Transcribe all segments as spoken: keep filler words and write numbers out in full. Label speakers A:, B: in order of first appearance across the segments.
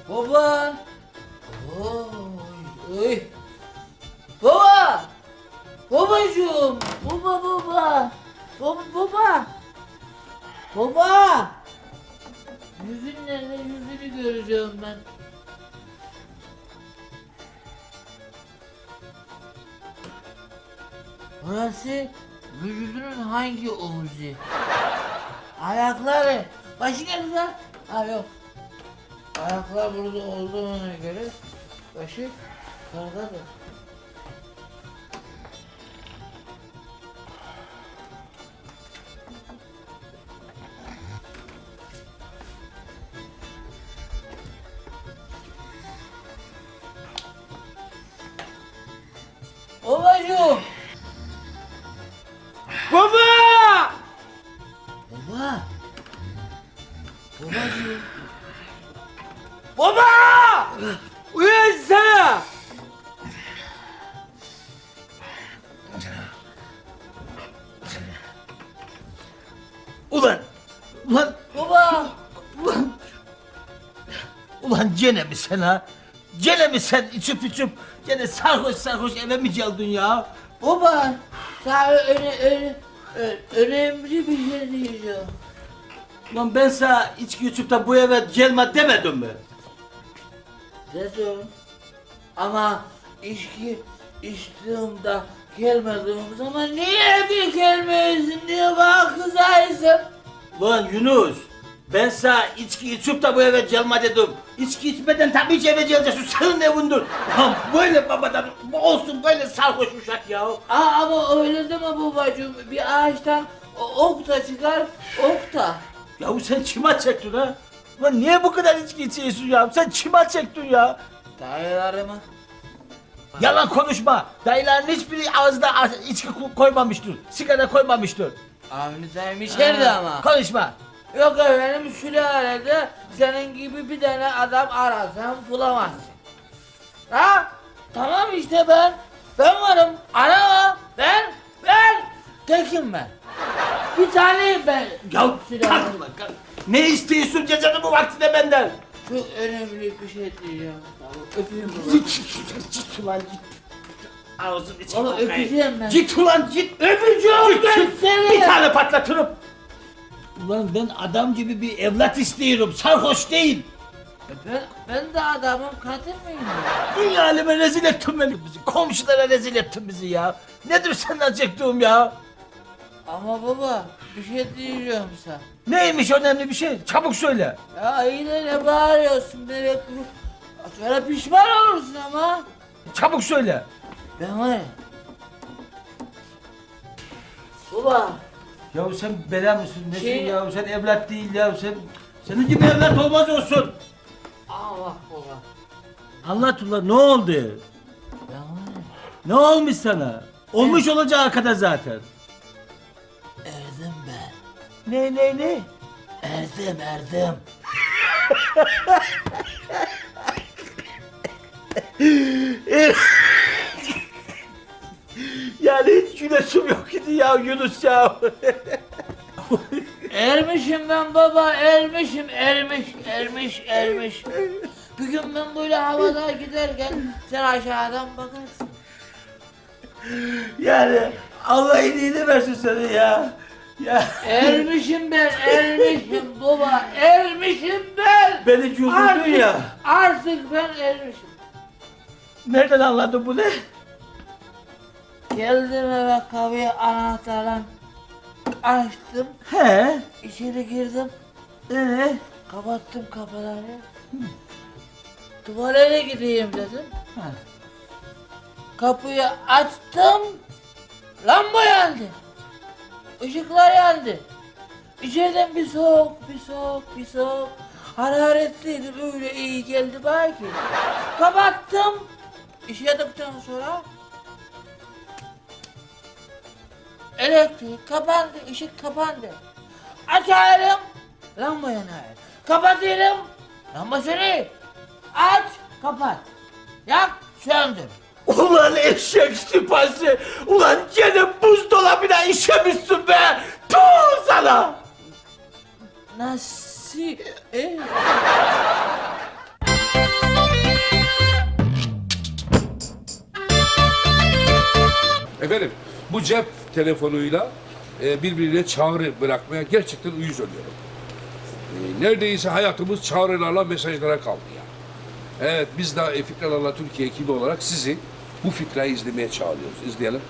A: Baba! Oy, oy. Baba! Babacığım! Baba baba! Baba baba! Baba! Yüzün nerede? Yüzünü göreceğim ben. Burası vücudunun hangi omuzu? Ayakları. Başı nerede lan? Ha yok. Ayaklar burada olduğuna göre başı karadadır. Babacığım!
B: Baba!
A: Baba! Babacığım!
B: Baba! Uyansana! Ulan! Ulan!
A: Baba!
B: Ulan! Ulan gene mi sen ha? Gene mi sen içip içip gene sarhoş sarhoş eve mi geldin ya?
A: Baba! Sana öne, öne, ö- önemli bir şey diyeceğim.
B: Ulan ben sana içki içip de bu eve gelme demedim mi?
A: Dedim. Ama içki içtiğimde gelmediğim zaman niye bir gelmiyorsun diye bana kızarsın.
B: Ulan Yunus, ben sana içki içip de bu eve gelme dedim. İçki içmeden tabii ki eve geleceksin, senin evindir. Ulan böyle babadan olsun böyle sarhoş uşak ya.
A: Aa, ama öyle deme babacığım. Bir ağaçtan o- ok da çıkar, ok da.
B: Yahu sen kime çektin ha? Ulan niye bu kadar içki içiyorsun ya? Sen kime çektin ya?
A: Dayılarımı.
B: Yalan konuşma. Dayıların hiçbiri ağzına içki ko- koymamıştır. Sigara koymamıştır.
A: Avni dayım içeride ama.
B: Konuşma.
A: Yok efendim sülalede senin gibi bir tane adam arasan bulamazsın. Ha? Tamam işte ben. Ben varım. Arama. Ben. Ben. Tekim ben. Bir taneyim ben.
B: Ya
A: Sülalede.
B: kalk lan kalk. Ne istiyorsun gecenin bu vaktinde benden?
A: Çok önemli bir şey diyeceğim. Öpeyim baba.
B: Git, git ulan git. Ağzını içine
A: Baba
B: bakayım.
A: öpeceğim ben.
B: Git ulan git.
A: Öpeceğim
B: Git,
A: ben
B: git.
A: seni.
B: Bir tane patlatırım. Ulan ben adam gibi bir evlat istiyorum. Sarhoş değil.
A: Ben, ben de adamım kadın mıyım?
B: Dünya aleme rezil ettin beni bizi. Komşulara rezil ettin bizi ya. Nedir senden çektiğim ya?
A: Ama baba bir şey diyeceğim sana.
B: Neymiş önemli bir şey? Çabuk söyle.
A: Ya yine ne bağırıyorsun bebek? Sonra pişman olursun ama.
B: Çabuk söyle.
A: Ben var ya. Baba.
B: Ya sen bela mısın? Nesin
A: Şey-
B: ya? Sen evlat değil ya. Sen senin gibi evlat olmaz olsun.
A: Allah baba.
B: Anlat ulan ne oldu?
A: Ben var ya.
B: Ne olmuş sana? Olmuş olacağı kadar zaten.
A: Erdim ben.
B: Ne ne ne?
A: Erdim erdim.
B: Yani hiç güneşim yok idi ya Yunus ya.
A: Ermişim ben baba ermişim ermiş ermiş ermiş. Bir gün ben böyle havada giderken sen aşağıdan bakarsın.
B: Yani Allah iyiliğini versin seni ya. Ya
A: Ermişim ben ermişim baba ermişim ben.
B: beni güldürdün ya.
A: Artık ben ermişim.
B: Nereden anladın bunu?
A: Geldim eve kapıyı anahtarla açtım.
B: He?
A: İçeri girdim.
B: Ee?
A: Kapattım kapıları. Tuvalete gideyim dedim.
B: Ha.
A: Kapıyı açtım. Lamba yandı. Işıklar yandı. İçeriden bir soğuk, bir soğuk, bir soğuk. Hararetliydi böyle iyi geldi belki. Kapattım. İşledikten sonra elektrik kapandı, ışık kapandı. Açarım, lamba yanar. Kapatırım, lamba sönüyor. Aç, kapat. Yak, söndür.
B: Ulan eşek sıpası! Ulan gene buzdolabına işemişsin be! Tuğ sana!
A: Nasıl? E?
C: Efendim, bu cep telefonuyla e, birbirine çağrı bırakmaya gerçekten uyuz oluyorum. E, neredeyse hayatımız çağrılarla, mesajlara kaldı ya. Evet, biz de e, Fikralarla Türkiye ekibi olarak sizi bu fikrayı izlemeye çağırıyoruz. İzleyelim.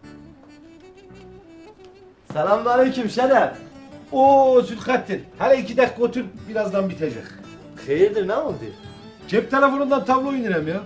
D: Selamünaleyküm Şeref.
E: Oo Zülkattin. Hele iki dakika otur, birazdan bitecek.
D: Hayırdır, ne oldu?
E: Cep telefonundan tablo indirem ya.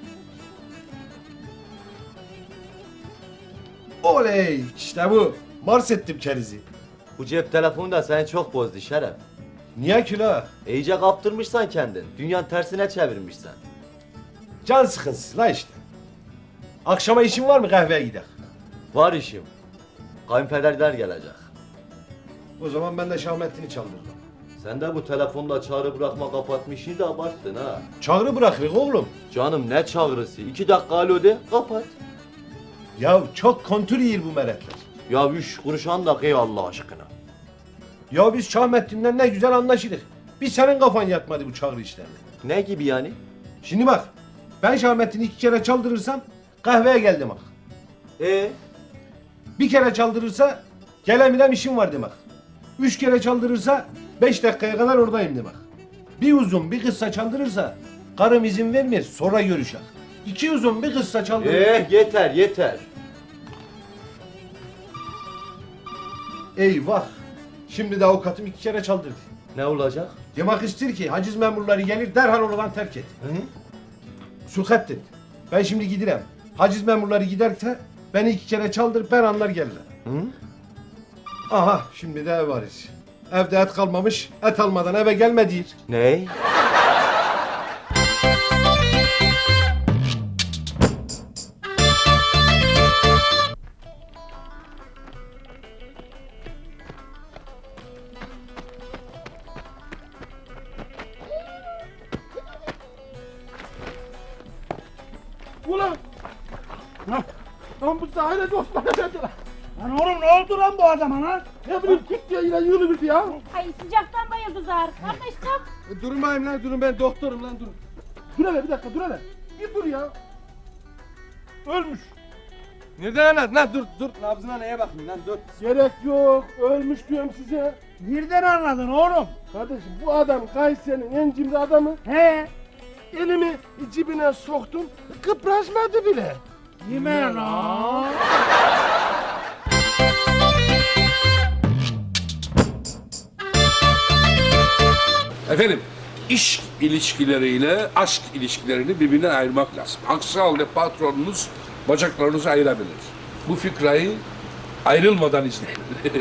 E: Oley! İşte bu. Mars ettim kerizi.
D: Bu cep telefonu da seni çok bozdu Şeref.
E: Niye ki la?
D: İyice kaptırmışsan kendin. Dünyanın tersine çevirmişsen.
E: Can sıkıntısı la işte. Akşama işin var mı, kahveye gidelim.
D: Var işim. Kayınpederler gelecek.
E: O zaman ben de Şahmettin'i çaldırdım.
D: Sen de bu telefonla çağrı bırakma kapatmışsın da abarttın ha.
E: Çağrı bırakırız oğlum.
D: Canım ne çağrısı? İki dakika alo de kapat.
E: Ya çok kontür yiyir bu meretler.
D: Ya üç kuruş andak ey Allah aşkına.
E: Ya biz Şahmettin'le ne güzel anlaşırız. Bir senin kafan yatmadı bu çağrı işlerine.
D: Ne gibi yani?
E: Şimdi bak, ben Şahmettin'i iki kere çaldırırsam kahveye gel demek.
D: E
E: Bir kere çaldırırsa geleminem işim var demek. Üç kere çaldırırsa beş dakikaya kadar oradayım demek. Bir uzun bir kısa çaldırırsa karım izin vermiyor, sonra görüşek. İki uzun bir kısa çaldırırsa...
D: Eh yeter yeter.
E: Eyvah! Şimdi de avukatım iki kere çaldırdı.
D: Ne olacak?
E: Demek ister ki haciz memurları gelir derhal oradan terk et.
D: Hı?
E: Sulhattin, ben şimdi gidirem. Haciz memurları giderse beni iki kere çaldır, ben anlar gelirler.
D: Hı?
E: Aha, şimdi de ev varız. Evde et kalmamış, et almadan eve gelme deyir.
D: Ne?
F: Ulan! Lan, lan bu sahile dostlar dediler. Lan oğlum ne oldu lan bu adama lan? Ne bileyim kik diye yine yürüdü ya.
G: Ay sıcaktan bayıldı zar. Kardeş kalk.
F: E, durmayayım lan durun ben doktorum lan durun. Dur hele bir dakika dur hele. Bir dur ya. Ölmüş.
H: Nereden anladın lan? Dur dur. Nabzına neye bakayım lan dur.
F: Gerek yok. Ölmüş diyorum size. Nereden anladın oğlum? Kardeşim bu adam Kayseri'nin en cimri adamı. He. Elimi cibine soktum. Kıpraşmadı bile. Yeme lan.
C: Efendim, iş ilişkileriyle aşk ilişkilerini birbirinden ayırmak lazım. Aksi halde patronunuz bacaklarınızı ayırabilir. Bu fikrayı ayrılmadan izleyin.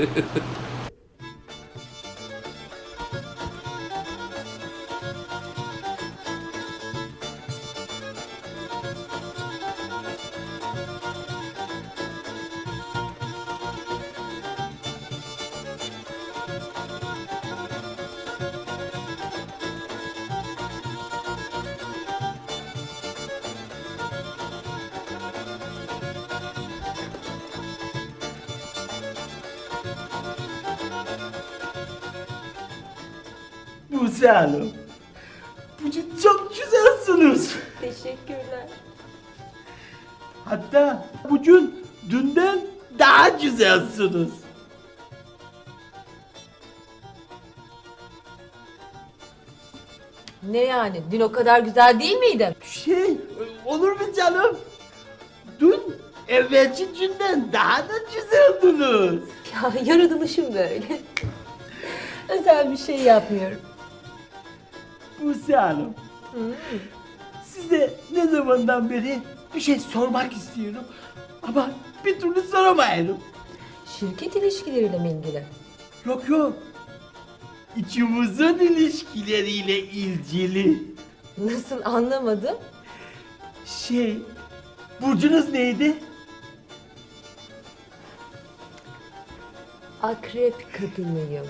B: Buse Hanım, bugün çok güzelsiniz.
G: Teşekkürler.
B: Hatta bugün dünden daha güzelsiniz.
I: Ne yani? Dün o kadar güzel değil miydim?
B: Şey, olur mu canım? Dün evvelki günden daha da güzeldiniz.
I: Ya yaratılışım böyle. Özel bir şey yapmıyorum.
B: Buse Hanım, size ne zamandan beri bir şey sormak istiyorum ama bir türlü soramayırım.
I: Şirket ilişkileriyle mi ilgili?
B: Yok yok, İkimizin ilişkileriyle ilgili.
I: Nasıl anlamadım?
B: Şey, burcunuz neydi?
I: Akrep kadınıyım.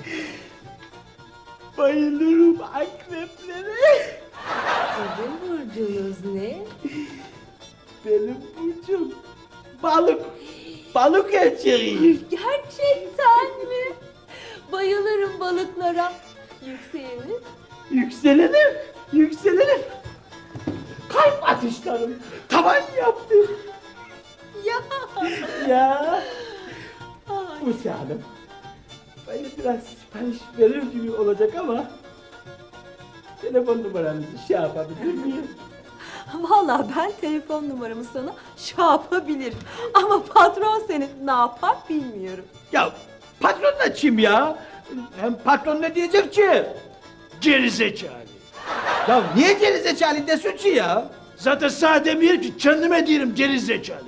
B: Bayılırım akreplere.
I: Sizin burcunuz ne?
B: Benim burcum balık. Balık erkeğiyim.
I: Gerçekten mi? Bayılırım balıklara. Yükseliniz?
B: Yükselenim, yükselenim. Kalp atışlarım tavan yaptı.
I: Ya
B: Ya. Buse Hanım. Böyle biraz sipariş verir gibi olacak ama telefon numaranızı şey yapabilir miyim?
I: Vallahi ben telefon numaramı sana şey yapabilirim. Ama patron senin ne yapar bilmiyorum.
B: Ya patron da kim ya? Hem patron ne diyecek ki? Gerizekalı. Ya niye gerizekalı desin ki ya? Zaten sana demiyorum ki kendime diyorum gerizekalı.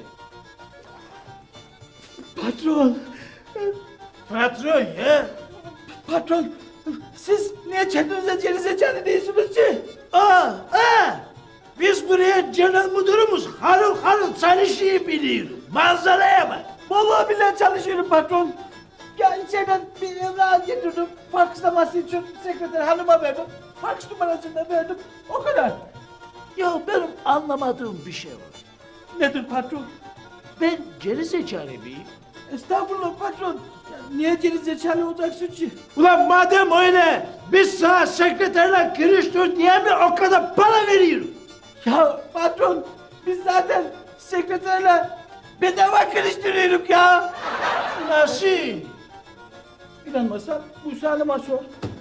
B: Patron. Patron ya. Patron. Siz niye kendinize gerizekalı değilsiniz ki? Aa, aa. Biz buraya genel müdürümüz harıl harıl çalışıyı biliyoruz. Manzaraya bak. Vallahi billahi çalışıyorum patron. Ya içeriden bir evrak getirdim. Fakslaması için sekreter hanıma verdim. Faks numarasını da verdim. O kadar. Ya benim anlamadığım bir şey var. Nedir patron? Ben geri zekalı mıyım? Estağfurullah patron. Ya niye geri zekalı olacaksın ki? Ulan madem öyle, biz sana sekreterle görüştür diye mi o kadar para veriyorum? Ya patron, biz zaten sekreterle bedava görüştürüyoruz ya. Nasıl? İnanmazsan Musa Hanım'a sor.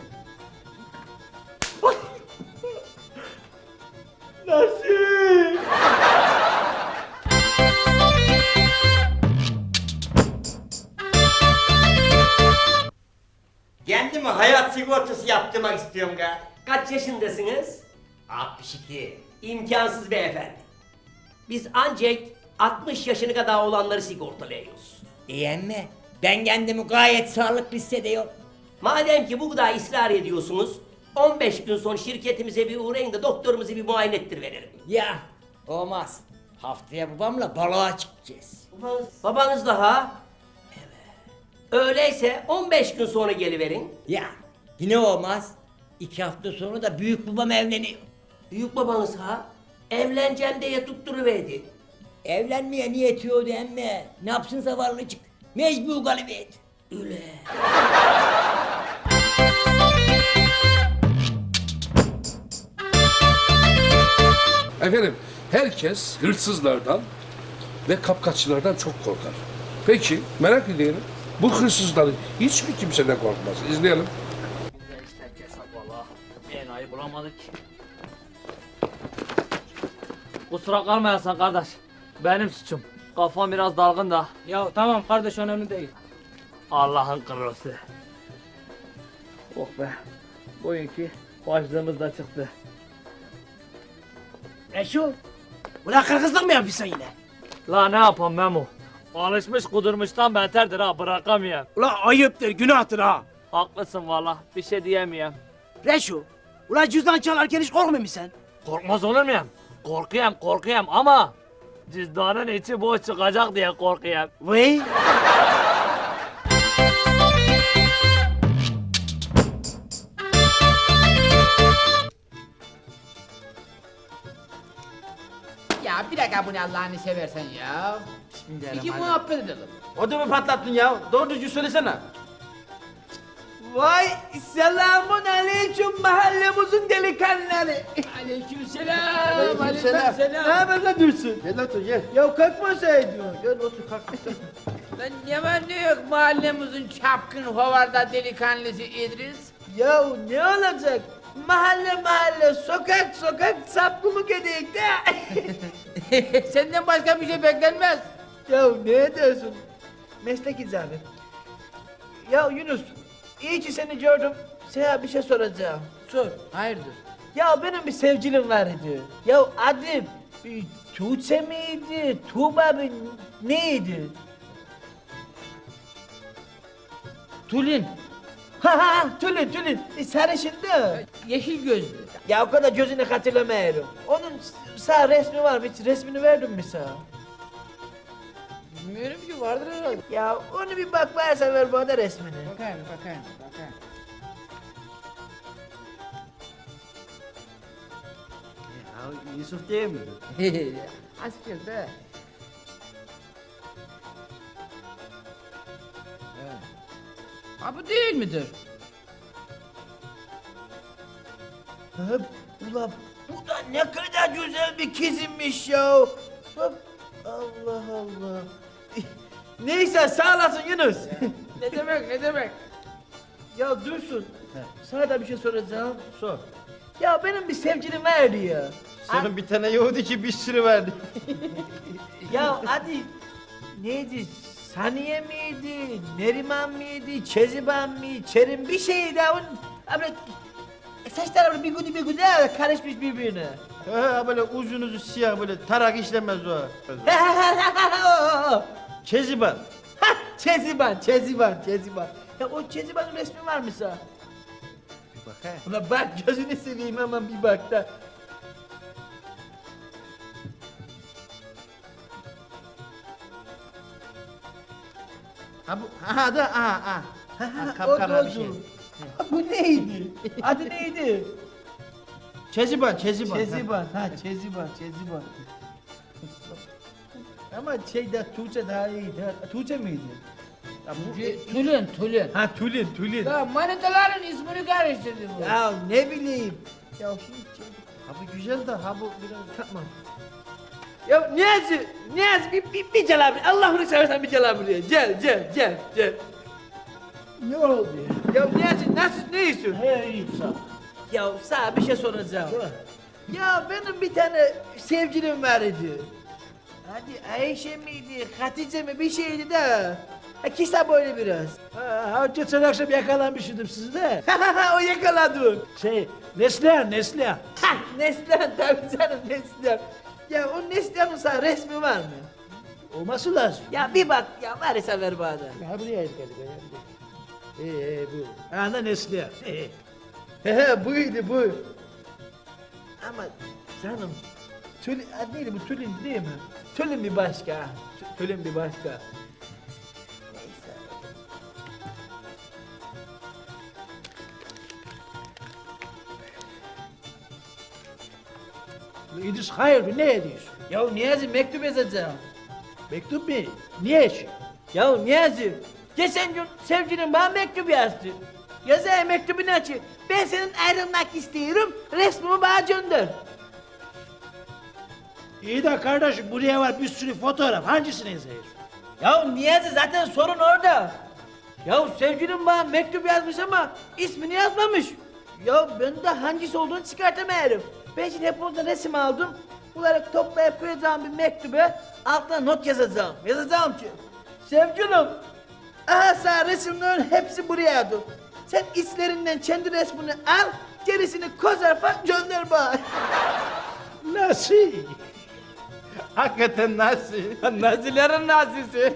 B: Nasıl?
J: Kendime hayat sigortası yaptırmak istiyorum ga.
K: Kaç yaşındasınız?
J: altmış iki.
K: İmkansız beyefendi. Biz ancak altmış yaşına kadar olanları sigortalıyoruz.
J: Diyen mi? Ben kendimi gayet sağlıklı hissediyorum.
K: Madem ki bu kadar ısrar ediyorsunuz, on beş gün sonra şirketimize bir uğrayın da doktorumuzu bir muayene ettiriveririm.
J: Ya olmaz. Haftaya babamla balığa çıkacağız.
K: Babanız, babanız da ha? Evet. Öyleyse on beş gün sonra geliverin.
J: Ya yine olmaz. İki hafta sonra da büyük babam evleniyor.
K: Büyük babanız ha? Evleneceğim diye tutturuverdi.
J: Evlenmeye niyeti yok emme. Ne yapsın zavallıcık? Mecbur galibiyet.
K: Öyle.
C: Efendim, herkes hırsızlardan ve kapkaççılardan çok korkar. Peki, merak ediyorum. Bu hırsızların hiç mi kimseden korkmaz? İzleyelim.
A: İşte kesap valla. Bir enayi bulamadık. Kusura kalmayasın kardeş. Benim suçum. Kafam biraz dalgın da.
H: Ya tamam kardeş önemli değil.
A: Allah'ın kırlısı. Oh be. Bugünkü başlığımız da çıktı.
B: Reşo, ulan kırgızlık mı yapıyorsun yine?
A: La ne yapam Memo? Alışmış kudurmuştan beterdir ha, bırakamıyorum.
B: Ulan ayıptır, günahtır ha.
A: Haklısın valla, bir şey diyemeyem.
B: Reşo, ulan cüzdan çalarken hiç korkmuyor musun sen?
A: Korkmaz olur muyum? Korkuyorum, korkuyorum ama cüzdanın içi boş çıkacak diye korkuyorum.
B: Vay.
L: Ya bir dakika bu ne Allah'ını seversen ya. İki muhabbet edelim.
B: Ödümü patlattın ya. Doğru düzgün söylesene. Vay selamun aleyküm mahallemizin delikanlıları.
L: Aleykümselam.
B: Aleykümselam. Ne haber lan Dursun? Gel otur gel. Ya kalkmasaydın. Gel otur kalk.
L: Lan ne var ne yok mahallemizin çapkın hovarda delikanlısı İdris.
B: Ya ne olacak? Mahalle mahalle, sokak sokak sapkımı edeyik de.
L: Senden başka bir şey beklenmez.
B: Ya ne diyorsun? Meslek icabı. Ya Yunus, iyi ki seni gördüm. Sana bir şey soracağım.
L: Sor, hayırdır?
B: Ya benim bir sevgilim var idi. Ya adı bir Tuğçe miydi, Tuğba mı, neydi?
L: Tulin.
B: Ha ha, Tülin Tülin, e, sarışındı.
L: Yeşil gözlü.
B: Ya o kadar gözünü hatırlamıyorum. Onun sağ resmi var mı? Hiç resmini verdim mi sana?
L: Bilmiyorum ki vardır herhalde.
B: Ya onu bir bak varsa ver bana resmini.
L: Bakayım, bakayım, bakayım.
B: Ya Yusuf değil mi?
L: Askerde. Evet. Ha bu değil midir?
B: Ha, ulan bu da ne kadar güzel bir kızımmış ya. Bak Allah Allah. Neyse sağ olasın Yunus.
L: Ne demek ne demek?
B: Ya Dursun, sana da bir şey soracağım. Sor. Ya benim bir sevgilim vardı ya.
D: Senin bir tane Yahudi ki bir sürü verdi.
B: Ya hadi neydi? Saniye miydi? Neriman mıydı? Çeziban mıydı? Çerim bir şeydi. Onun böyle saçları böyle bir güdü bir güdü karışmış birbirine.
D: Ha böyle uzun uzun siyah böyle tarak işlemez o. Keziban.
B: Hah, Çeziban, Çeziban, Çeziban. Ya o Çeziban'ın resmi var mı sana?
D: Bir bak he.
B: Ulan bak gözünü seveyim aman bir bak da. Ha bu, aha da, aha, aha. Ha, ha,
D: kapkara
B: o
D: bir şey.
B: doğru. Ha, bu neydi? Adı neydi?
D: Keziban, Keziban.
B: Çeziban, ha Çeziban, Çeziban. Ama şeyde Tuğçe daha iyiydi. Ha, Tuğçe miydi? Ya bu,
L: Tülün tülün.
B: ha Tülin, Tülin.
L: Ya manitaların ismini karıştırdı bu.
B: Ya ne bileyim. Ya şimdi şey-
D: Ha bu güzel de ha bu biraz
B: Tamam. Ya Niyazi, Niyazi bir, bir, bir gel abi. Allah'ını seversen bir gel abi buraya. Gel, gel, gel, gel.
F: Ne oldu ya?
B: Ya Niyazi nasıl, ne istiyorsun?
F: He iyi sağ ol.
B: Ya sana bir şey soracağım. Ya benim bir tane sevgilim var idi. Hadi Ayşe miydi, Hatice mi bir şeydi de. Ha, kısa boylu biraz.
F: Ha, ha, geçen akşam yakalanmıştım sizi de.
B: o yakaladı.
F: Şey, Neslihan, Neslihan.
B: Ha, Neslihan tabii canım Neslihan. Ya o Neslihan'ın sana resmi var mı?
F: Olması lazım.
B: Ya bir bak ya varsa ver bana.
F: Ha buraya geldik. Ee, ee, bu. Ana Neslihan. Ee.
B: He buydu bu. Ama canım Tülin, adı neydi bu Tülin değil mi? Tülin bir başka. Tü- Tülin bir başka. Neyse.
F: İdris hayırdır ne ediyorsun?
B: Ya Niyazi mektup yazacağım.
F: Mektup mu? Niye için?
B: Ya Niyazi, geçen gün sevgilin bana mektup yazdı. Yazaya mektubunu açı. Ben senin ayrılmak istiyorum, resmimi bana gönder.
F: İyi de kardeşim buraya var bir sürü fotoğraf. Hangisini yazıyorsun?
B: Ya Niyazi zaten sorun orada. Ya sevgilim bana mektup yazmış ama ismini yazmamış. Ya ben de hangisi olduğunu çıkartamıyorum. Ben şimdi hep oradan resim aldım. Bunları toplayıp koyacağım bir mektube altına not yazacağım. Yazacağım ki sevgilim, aha sana resimlerin hepsi buraya dur. Sen içlerinden kendi resmini al, gerisini kozarfa gönder bana.
F: Nasıl?
D: hakikaten nasıl?
B: Nazilerin nazisi.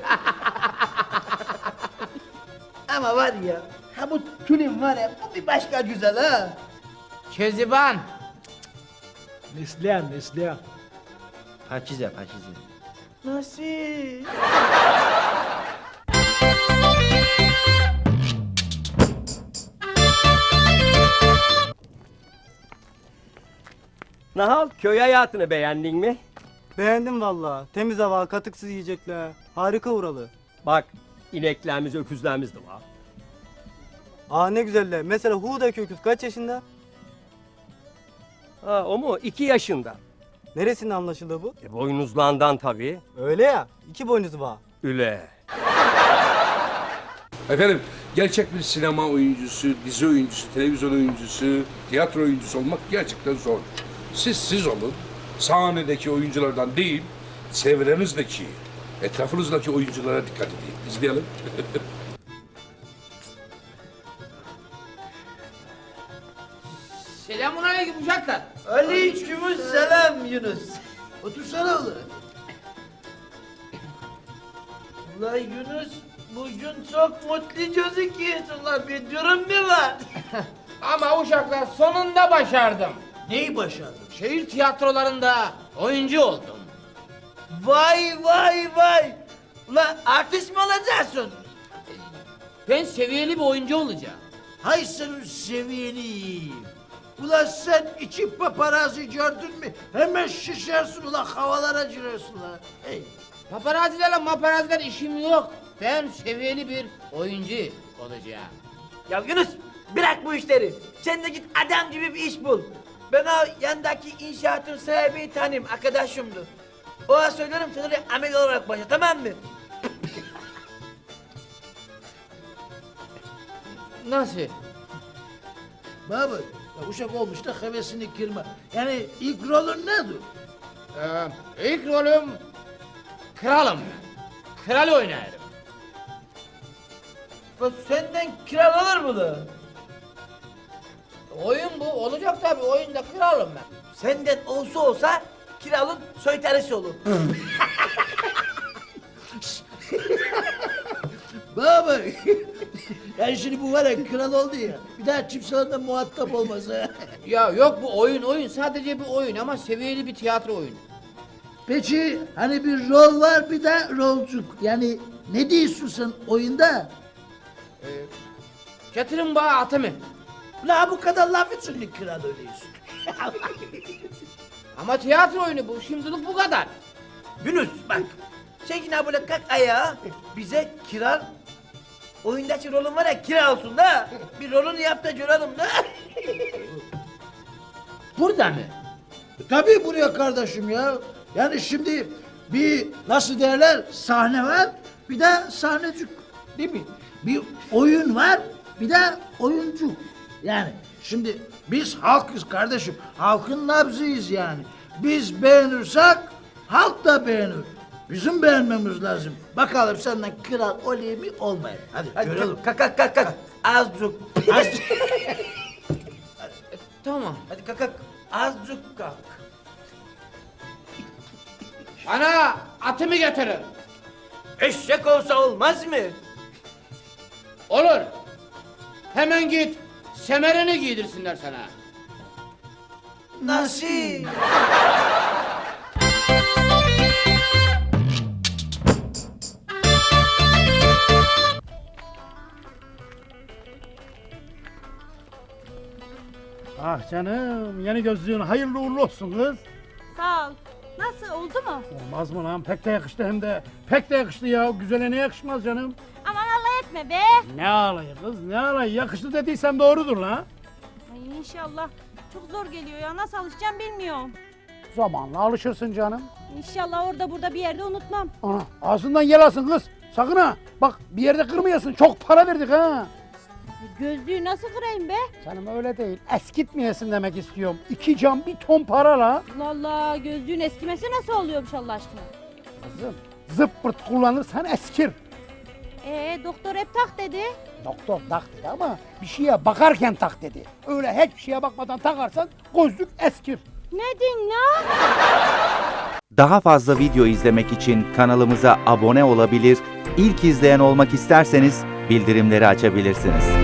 B: Ama var ya, ha bu Tülin var ya, bu bir başka güzel ha.
L: Keziban.
F: Neslihan, Neslihan.
D: Pakize, Pakize.
B: Nasıl?
K: Nahal, köy hayatını beğendin mi?
H: Beğendim valla. Temiz hava, katıksız yiyecekler. Harika oralı.
K: Bak, ineklerimiz, öküzlerimiz de var.
H: Aa ne güzeller. Mesela Huğda öküz kaç yaşında?
K: Ha, o mu? İki yaşında.
H: Neresinde anlaşıldı bu?
K: E, boynuzlandan tabii.
H: Öyle ya. İki boynuzu var.
K: Üle.
C: Efendim gerçek bir sinema oyuncusu, dizi oyuncusu, televizyon oyuncusu, tiyatro oyuncusu olmak gerçekten zor. Siz siz olun. Sahnedeki oyunculardan değil, çevrenizdeki, etrafınızdaki oyunculara dikkat edin. İzleyelim.
L: Selamun aleyküm uşaklar.
B: Aleykümselam Yunus. Otursana oğlum. Ulan Yunus, bugün çok mutlu gözüküyorsun lan, bir durum mu var?
L: Ama uşaklar sonunda başardım.
B: Neyi başardın?
L: Şehir tiyatrolarında oyuncu oldum.
B: Vay vay vay! Ulan artist mi olacaksın?
L: Ben seviyeli bir oyuncu olacağım.
F: Hay senin seviyeni. Ulan sen iki paparazzi gördün mü? Hemen şişersin ulan havalara girersin ulan. Hey.
L: Paparazilerle maparaziler işim yok. Ben seviyeli bir oyuncu olacağım.
B: Ya Yunus, bırak bu işleri. Sen de git adam gibi bir iş bul. Ben o yandaki inşaatın sahibi tanıyım, arkadaşımdı. Ona söylerim, sen oraya amel olarak başla, tamam mı?
L: Nasıl?
B: Baba ya uşak olmuş da hevesini kırma. Yani ilk rolün nedir?
L: Ee, ilk rolüm kralım. Kral oynarım.
A: Bu senden kral olur mu da?
L: Oyun bu. Olacak tabii. Oyunda kralım ben.
A: Senden olsa olsa kralın soytarısı olur.
B: Baba yani şimdi bu var ya kral oldu ya. Bir daha kimseyle muhatap olmaz ha.
L: Ya yok bu oyun oyun. Sadece bir oyun ama seviyeli bir tiyatro oyunu.
B: Peki hani bir rol var bir de rolcuk. Yani ne diyorsun sen oyunda?
L: Ee, getirin bana atımı.
B: La bu kadar laf için kral öyleyiz.
L: Ama tiyatro oyunu bu. Şimdilik bu kadar.
A: Yunus bak. Sen yine böyle kalk ayağa. Bize kral oyundaki rolün var ya kira olsun da. Bir rolünü yap da görelim da.
L: Burada mı?
B: Tabii buraya kardeşim ya. Yani şimdi bir nasıl derler sahne var bir de sahnecik değil mi? Bir oyun var bir de oyuncu. Yani şimdi biz halkız kardeşim. Halkın nabzıyız yani. Biz beğenirsek halk da beğenir. Bizim beğenmemiz lazım. Bakalım senden kral olayım mı olmayayım. Hadi,
A: Hadi
B: görelim.
A: kalk kalk kalk kalk. Azıcık.
B: Azıcık.
L: Tamam.
A: Hadi kalk kalk. Azıcık kalk.
L: Ana atımı getirin.
A: Eşek olsa olmaz mı?
L: Olur. Hemen git. Semerini giydirsinler sana.
A: Nasıl?
F: Ah canım yeni gözlüğün hayırlı uğurlu olsun kız.
G: Sağ ol. Nasıl oldu mu?
F: Olmaz mı lan pek de yakıştı hem de. Pek de yakıştı ya güzele ne yakışmaz canım.
G: Aman Allah etme be.
F: Ne alayı kız ne alayı yakıştı dediysem doğrudur lan.
G: Ay inşallah. Çok zor geliyor ya. Nasıl alışacağım bilmiyorum.
F: Zamanla alışırsın canım.
G: İnşallah orada burada bir yerde unutmam.
F: Ana ağzından yel alsın kız. Sakın ha. Bak bir yerde kırmayasın. Çok para verdik ha.
G: Gözlüğü nasıl kırayım be?
F: Canım öyle değil. Eskitmeyesin demek istiyorum. İki cam bir ton para la.
G: Allah Allah gözlüğün eskimesi nasıl oluyormuş Allah aşkına?
F: Kızım zıppırt kullanırsan eskir.
G: Ee doktor hep tak dedi.
F: Doktor tak dedi ama bir şeye bakarken tak dedi. Öyle hiçbir şeye bakmadan takarsan gözlük eskir.
G: Ne din la?
M: Daha fazla video izlemek için kanalımıza abone olabilir, ilk izleyen olmak isterseniz bildirimleri açabilirsiniz.